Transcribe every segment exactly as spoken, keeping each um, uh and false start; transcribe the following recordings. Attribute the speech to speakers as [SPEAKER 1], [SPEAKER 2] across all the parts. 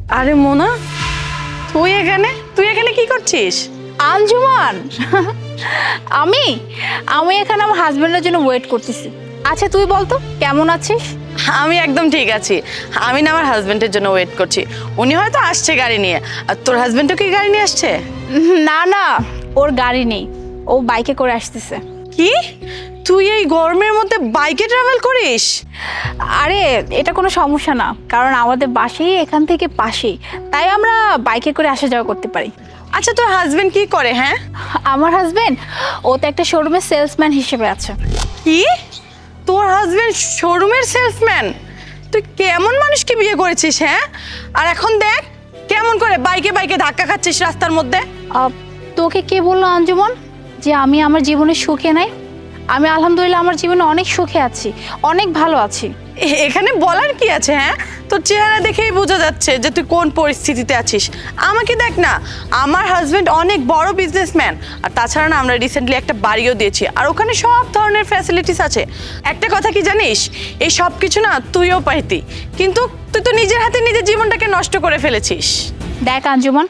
[SPEAKER 1] আরে মোনা, তুই এখানে তুই এখানে কি করছিস?
[SPEAKER 2] আঞ্জুমান আমি আমি এখানে আমার হাজবেন্ডের জন্য ওয়েট করতেছি। আচ্ছা তুই বলতো কেমন আছিস?
[SPEAKER 1] আমি একদম ঠিক আছি। আমি না আমার হাজবেন্ডের জন্য ওয়েট করছি। উনি হয়তো আসছে গাড়ি নিয়ে। আর তোর হাজবেন্ডও কি গাড়ি নিয়ে আসছে?
[SPEAKER 2] না না, ওর গাড়ি নেই, ও বাইকে করে আসতেছে।
[SPEAKER 1] কি, তুই এই গরমের মধ্যে বাইকে ট্রাভেল করিস?
[SPEAKER 2] আরে এটা কোনো সমস্যা না, কারণ আমাদের বাসাই এখান থেকে পাশেই, তাই আমরা বাইকে করে আসা যাওয়া করতে পারি।
[SPEAKER 1] আচ্ছা তোর হাজবেন্ড কি করে? হ্যাঁ,
[SPEAKER 2] আমার হাজবেন্ড ও তো একটা শোরুমের সেলসম্যান হিসেবে আছে।
[SPEAKER 1] কি, তোর হাজবেন্ড শোরুমের সেলসম্যান? তুই কেমন মানুষকে বিয়ে করেছিস? হ্যাঁ, আর এখন দেখ কেমন করে বাইকে বাইকে ধাক্কা খাচ্ছিস রাস্তার মধ্যে।
[SPEAKER 2] আহ, তোকে কে বললো আঞ্জুমান যে আমি আমার জীবনে সুখে নাই? আমি আলহামদুলিল্লাহ আমার জীবনে অনেক সুখে আছি, অনেক ভালো আছি।
[SPEAKER 1] এ- এখানে বলার কি আছে? হ্যাঁ, তোর চেহারা দেখেই বোঝা যাচ্ছে যে তুই কোন পরিস্থিতিতে আছিস। আমাকে দেখ না, আমার হাজবেন্ড অনেক বড় বিজনেসম্যান, আর তাছাড়া না আমরা রিসেন্টলি একটা বাড়িও দিয়েছি, আর ওখানে সব ধরনের ফ্যাসিলিটিস আছে। একটা কথা কি জানিস, এই সব কিছু না তুইও পাইতি, কিন্তু তুই তো নিজের হাতে নিজের জীবনটাকে নষ্ট করে ফেলেছিস।
[SPEAKER 2] দেখ আঞ্জুমান,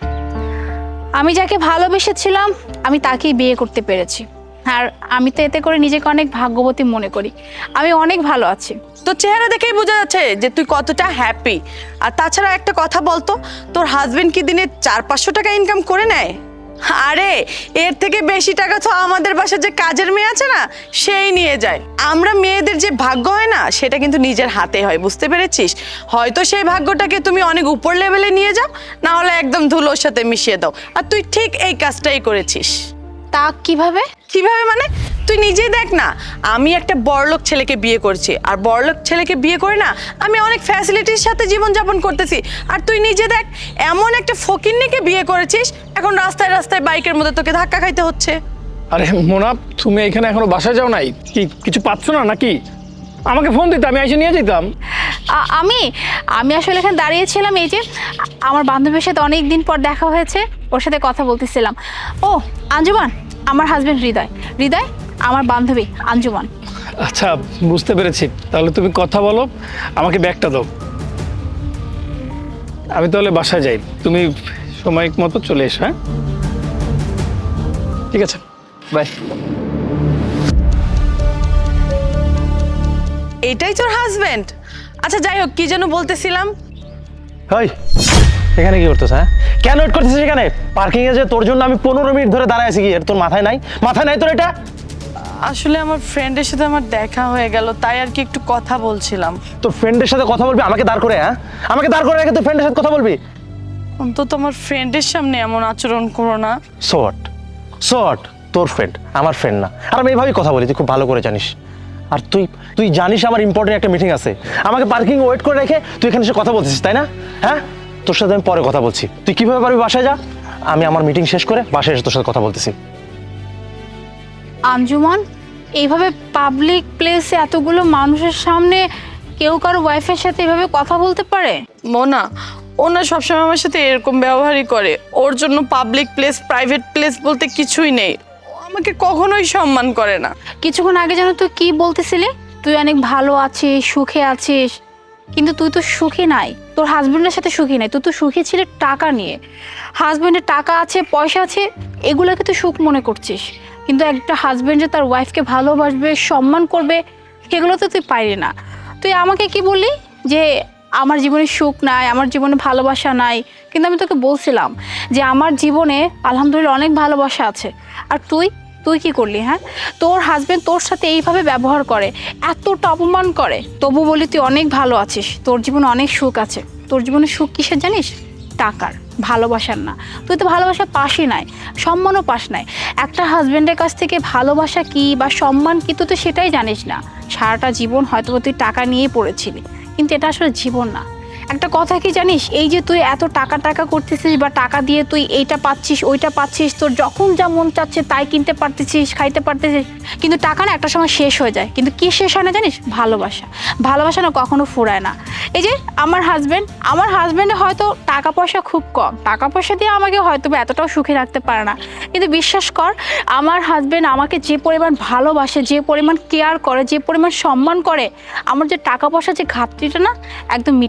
[SPEAKER 2] আমি যাকে ভালোবেসেছিলাম আমি তাকেই বিয়ে করতে পেরেছি, আর আমি তো এতে করে নিজেকে অনেক ভাগ্যবতী মনে করি। আমি অনেক ভালো আছি।
[SPEAKER 1] তোর চেহারা দেখেই বোঝা যাচ্ছে যে তুই কতটা হ্যাপি। আর তাছাড়া একটা কথা বলতো, তোর হাজবেন্ড কি দিনে চার পাঁচশো টাকা ইনকাম করে নেয়? আরে এর থেকে বেশি টাকা তো আমাদের বাসায় যে কাজের মেয়ে আছে না, সেই নিয়ে যায়। আমরা মেয়েদের যে ভাগ্য হয় না, সেটা কিন্তু নিজের হাতে হয়, বুঝতে পেরেছিস? হয়তো সেই ভাগ্যটাকে তুমি অনেক উপর লেভেলে নিয়ে যাও, না হলে একদম ধুলোর সাথে মিশিয়ে দাও। আর তুই ঠিক এই কাজটাই করেছিস।
[SPEAKER 2] তা কিভাবে?
[SPEAKER 1] কিভাবে মানে? তুই নিজেই দেখ না, আমি একটা বড়লোক ছেলেকে বিয়ে করছি, আর বড়লোক ছেলেকে বিয়ে করে না আমি অনেক ফ্যাসিলিটির সাথে জীবনযাপন করতেছি। আর তুই নিজে দেখ, এমন একটা ফকিন্নিকে বিয়ে করেছিস, এখন রাস্তায় রাস্তায় বাইকের মধ্যে তোকে ধাক্কা খাইতে হচ্ছে।
[SPEAKER 3] আরে মোনা, তুমি এখানে এখনো বাসায় যাও নাই? কি কিছু পাচ্ছ না নাকি? আমাকে ফোন দিতে, আমি এসে নিয়ে যেতাম।
[SPEAKER 2] আ- আমি আমি আসলে এখানে দাঁড়িয়েছিলাম, এই যে আমার বান্ধবীর সাথে অনেক দিন পর দেখা হয়েছে, ওর সাথে কথা বলতেছিলাম। ও আঞ্জুমান, আমার হাজবেন্ড হৃদয়। হৃদয় আমার বান্ধবী আঞ্জুমান।
[SPEAKER 3] আচ্ছা, বুঝতে পেরেছি। তাহলে তুমি কথা বলো, আমাকে ব্যাগটা দাও। আমি তাহলে বাসায় যাই, তুমি সময় মতো চলে এসো। হ্যাঁ, ঠিক আছে, বাই।
[SPEAKER 1] এটাই তোর হাজবেন্ড? আচ্ছা যাই হোক, কি যেন বলতেছিলাম।
[SPEAKER 4] হাই, এখানে কি করতেছ? হ্যাঁ, কেন ওয়েট করতেছিস এখানে? পার্কিং এ যে তোর জন্য আমি পনেরো মিনিট ধরে দাঁড়ায় আছি, কি এর তোর মাথায় নাই? মাথায় নাই তোর এটা?
[SPEAKER 1] আসলে আমার ফ্রেন্ডের সাথে আমার দেখা হয়ে গেল, তাই আর কি একটু কথা বলছিলাম।
[SPEAKER 4] তোর ফ্রেন্ডের সাথে কথা বলবি আমাকে দাঁড় করে? হ্যাঁ, আমাকে দাঁড় করে রেখে তোর ফ্রেন্ডের সাথে কথা বলবি?
[SPEAKER 1] অন্তত আমার ফ্রেন্ডের সামনে এমন আচরণ করো না।
[SPEAKER 4] শর্ট শর্ট তোর ফ্রেন্ড আমার ফ্রেন্ড না, আর আমি এইভাবেই কথা বলি, তুই খুব ভালো করে জানিস। আর তুই তুই জানিস আমার ইম্পর্টেন্ট একটা মিটিং আছে, আমাকে পার্কিং ওয়েট করে রেখে তুই এখানে এসে কথা বলছিস, তাই না? হ্যাঁ, তোর সাথে আমি পরে কথা বলছি। তুই কিভাবে পারবি বাসায় যা, আমি আমার মিটিং শেষ করে বাসায় এসে তোর সাথে কথা বলতেছি।
[SPEAKER 2] আঞ্জুমান, এইভাবে পাবলিক প্লেসে এতগুলো মানুষের সামনে কেউ কারো ওয়াইফের সাথে এভাবে কথা বলতে পারে?
[SPEAKER 1] মোনা, ও না সবসময় আমার সাথে এরকম ব্যবহারই করে। ওর জন্য পাবলিক প্লেস প্রাইভেট প্লেস বলতে কিছুই নেই। ও আমাকে কখনোই সম্মান করে না।
[SPEAKER 2] কিছুক্ষণ আগে যেন তুই কি বলতেছিলি, তুই অনেক ভালো আছিস, সুখে আছিস, কিন্তু তুই তো সুখী নাই, তোর হাজবেন্ডের সাথে সুখী নাই। তুই তো সুখী ছিলি টাকা নিয়ে। হাজবেন্ডের টাকা আছে, পয়সা আছে, এগুলোকে তুই সুখ মনে করছিস, কিন্তু একটা হাজবেন্ড যে তার ওয়াইফকে ভালোবাসবে, সম্মান করবে, সেগুলো তো তুই পাইলি না। তুই আমাকে কি বললি যে আমার জীবনে সুখ নাই, আমার জীবনে ভালোবাসা নাই, কিন্তু আমি তোকে বলছিলাম যে আমার জীবনে আলহামদুলিল্লাহ অনেক ভালোবাসা আছে। আর তুই তুই কি করলি? হ্যাঁ, তোর হাজবেন্ড তোর সাথে এইভাবে ব্যবহার করে, এতটা অপমান করে, তবু বলি তুই অনেক ভালো আছিস, তোর জীবনে অনেক সুখ আছে। তোর জীবনে সুখ কিসের জানিস? টাকার, ভালোবাসার না। তুই তো ভালোবাসা পাসই নাই, সম্মানও পাস নাই। একটা হাজবেন্ডের কাছ থেকে ভালোবাসা কি বা সম্মান কি তুই তো সেটাই জানিস না। সারাটা জীবন হয়তো তুই টাকা নিয়েই পড়েছিলি, কিন্তু এটা আসলে জীবন না। একটা কথা কি জানিস, এই যে তুই এত টাকা টাকা করতেছিস বা টাকা দিয়ে তুই এইটা পাচ্ছিস ওইটা পাচ্ছিস, তোর যখন যা মন চাচ্ছে তাই কিনতে পারতেছিস, খাইতে পারতেছিস, কিন্তু টাকা না একটা সময় শেষ হয়ে যায়। কিন্তু কি শেষ হয় না জানিস? ভালোবাসা। ভালোবাসা না কখনো ফুরায় না। এই যে আমার হাজবেন্ড, আমার হাজবেন্ডে হয়তো টাকা পয়সা খুব কম, টাকা পয়সা দিয়ে আমাকে হয়তো বা এতটাও সুখী রাখতে পারে না, কিন্তু বিশ্বাস কর আমার হাজবেন্ড আমাকে যে পরিমাণ ভালোবাসে, যে পরিমাণ কেয়ার করে, যে পরিমাণ সম্মান করে, আমার যে টাকা পয়সা যে ঘাটতিটা না একদম মিটিয়ে ফেলে।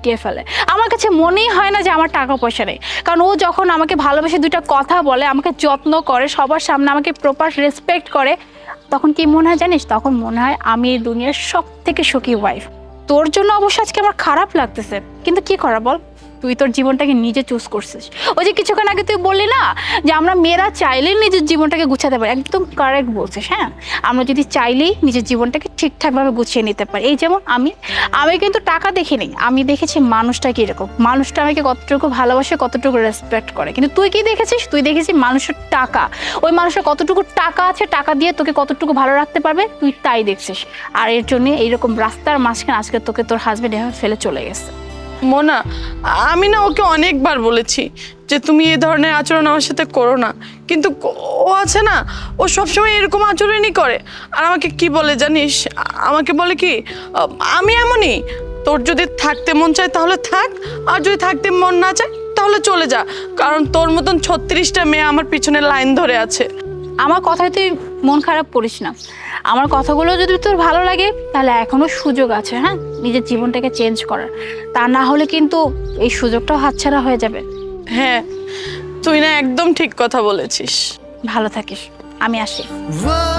[SPEAKER 2] আমার কাছে মনেই হয় না যে আমার টাকা পয়সা নেই। কারণ ও যখন আমাকে ভালোবেসে দুইটা কথা বলে, আমাকে যত্ন করে, সবার সামনে আমাকে প্রপার রেসপেক্ট করে, তখন কি মনে হয় জানিস? তখন মনে হয় আমি এই দুনিয়ার সব থেকে সুখী ওয়াইফ। তোর জন্য অবশ্য আজকে আমার খারাপ লাগতেছে, কিন্তু কি করা বল, তুই তোর জীবনটাকে নিজে চুজ করছিস। ওই যে কিছুক্ষণ আগে তুই বললি না যে আমরা মেয়েরা চাইলেই নিজের জীবনটাকে গুছাতে পারি, একদম কারেক্ট বলছিস। হ্যাঁ, আমরা যদি চাইলেই নিজের জীবনটাকে ঠিকঠাকভাবে গুছিয়ে নিতে পারি। এই যেমন আমি আমি কিন্তু টাকা দেখিনি, আমি দেখেছি মানুষটা কীরকম, মানুষটা আমাকে কতটুকু ভালোবাসে, কতটুকু রেসপেক্ট করে। কিন্তু তুই কি দেখেছিস? তুই দেখেছিস মানুষের টাকা, ওই মানুষের কতটুকু টাকা আছে, টাকা দিয়ে তোকে কতটুকু ভালো রাখতে পারবে, তুই তাই দেখছিস। আর এর জন্য এইরকম রাস্তার মাঝখানে আজকে তোকে তোর হাজবেন্ড এভাবে ফেলে চলে গেছে।
[SPEAKER 1] মোনা, আমি না ওকে অনেকবার বলেছি যে তুমি এই ধরনের আচরণ আমার সাথে করো না, কিন্তু ও আছে না, ও সবসময় এরকম আচরণই করে। আর আমাকে কি বলে জানিস? আমাকে বলে কি, আমি এমনই, তোর যদি থাকতে মন চায় তাহলে থাক, আর যদি থাকতে মন না চায় তাহলে চলে যা, কারণ তোর মতন ছত্রিশটা মেয়ে আমার পিছনে লাইন ধরে আছে।
[SPEAKER 2] আমার কথায় তুই মন খারাপ করিস না, আমার কথাগুলো যদি তোর ভালো লাগে তাহলে এখনো সুযোগ আছে, হ্যাঁ, নিজের জীবনটাকে চেঞ্জ করার। তা না হলে কিন্তু এই সুযোগটাও হাতছাড়া হয়ে যাবে।
[SPEAKER 1] হ্যাঁ, তুই না একদম ঠিক কথা বলেছিস।
[SPEAKER 2] ভালো থাকিস, আমি আসি।